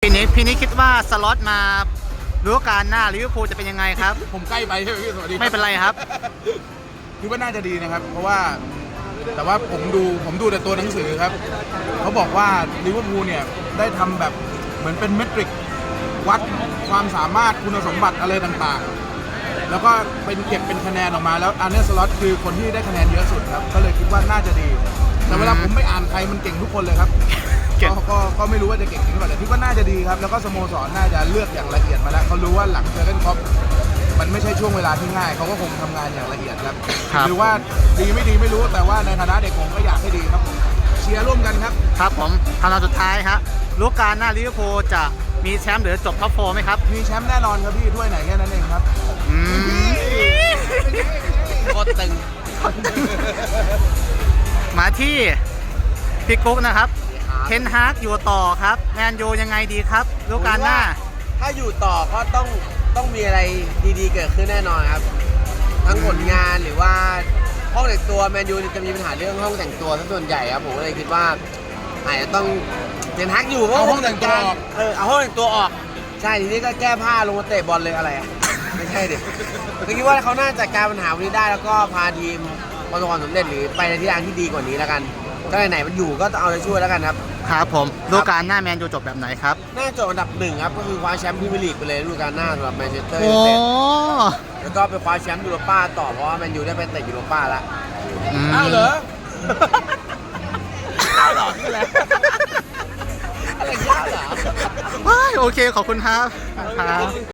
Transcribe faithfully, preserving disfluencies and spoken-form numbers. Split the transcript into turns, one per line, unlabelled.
พี่นิดพี่นิดคิดว่าสล็อตมาฤดูกาลหน้าลิเวอร์พูลจะเป็นยังไงครับ
ผมใกล้ไปใช่ไหมพี่สวัสดี
ไม่เป็นไรครับ
คิดว่าน่าจะดีนะครับเพราะว่าแต่ว่าผมดูผมดูแต่ตัวหนังสือครับเขาบอกว่าลิเวอร์พูลเนี่ยได้ทำแบบเหมือนเป็นเมตริกวัดความสามารถคุณสมบัติอะไรต่างๆแล้วก็เป็นเก็บเป็นคะแนนออกมาแล้วอาร์เนสล็อตคือคนที่ได้คะแนนเยอะสุดครับก็เลยคิดว่าน่าจะดีแต่เวลาผมไม่อ่านใครมันเก่งทุกคนเลยครับก็ก็ไม่รู้ว่าจะเก่งจริงหรือเปล่าแต่คิดว่าน่าจะดีครับแล้วก็สโมสรน่าจะเลือกอย่างละเอียดมาแล้วเขารู้ว่าหลังเจอกันครอปมันไม่ใช่ช่วงเวลาที่ง่ายเขาก็คงทำงานอย่างละเอียดครับหรือว่าดีไม่ดีไม่รู้แต่ว่าในฐานะเด็กผมก็อยากให้ดีครับเชียร์ร่วมกันครับ
ครับผมคำถามสุดท้ายครับฤดูกาลหน้าลิเวอร์พูลจะมีแชมป์หรือจบท็อปโฟร์ไหมครับ
มีแชมป์แน่นอนครับพี่ถ้วยไหนแค่นั้นเองครับ
อืม
โคตรตึง
มาที่พี่กุ๊กนะครับเทนฮากอยู่ต่อครับแมนยูยังไงดีครับฤดูกาลหน้า
ถ้าอยู่ต่อก็ต้องต้องมีอะไรดีๆเกิดขึ้นแน่นอนครับทั้งผลงานหรือว่าห้องแต่งตัวแมนยูจะมีปัญหาเรื่องห้องแต่งตัวซะส่วนใหญ่ครับผมก็เลยคิดว่าอาจจะต้องเทนฮากอยู่
เอาห้องแต่งตัวออก
เออเอาห้องแต่งตัวออกใช่ทีนี้ก็แก้ผ้าลงมาเตะบอลเลยอะไรอ่ะไม่ใช่เด็กก็คิดว่าเขาน่าจะจัดการปัญหาวันนี้ได้แล้วก็พาทีมประสบความสำเร็จหรือไปในทิศทางที่ดีกว่านี้แล้วกันก็ไหนๆมันอยู่ก็เอาใจช่วยแล้วกันครับ
ครับผมฤดูกาลหน้าแมนยูจบแบบไหนครับ
น่าจบอันดับหนึ่งครับก็คือคว้าแชมป์พรีเมียร์ลีกไปเลยฤดูกาลหน้าสำหรับแมนเชสเตอร์ยูไนเต็ดแล้วก็ไปคว้าแชมป์ยูโรป้าต่อเพราะว่าแมนยูได้ไปเตะยูโรป้าแล้ว
อ้าวเหรอ
อ้าวเหรอคืออะไรอะไรยากเหรอ
โอเคขอบคุณครับ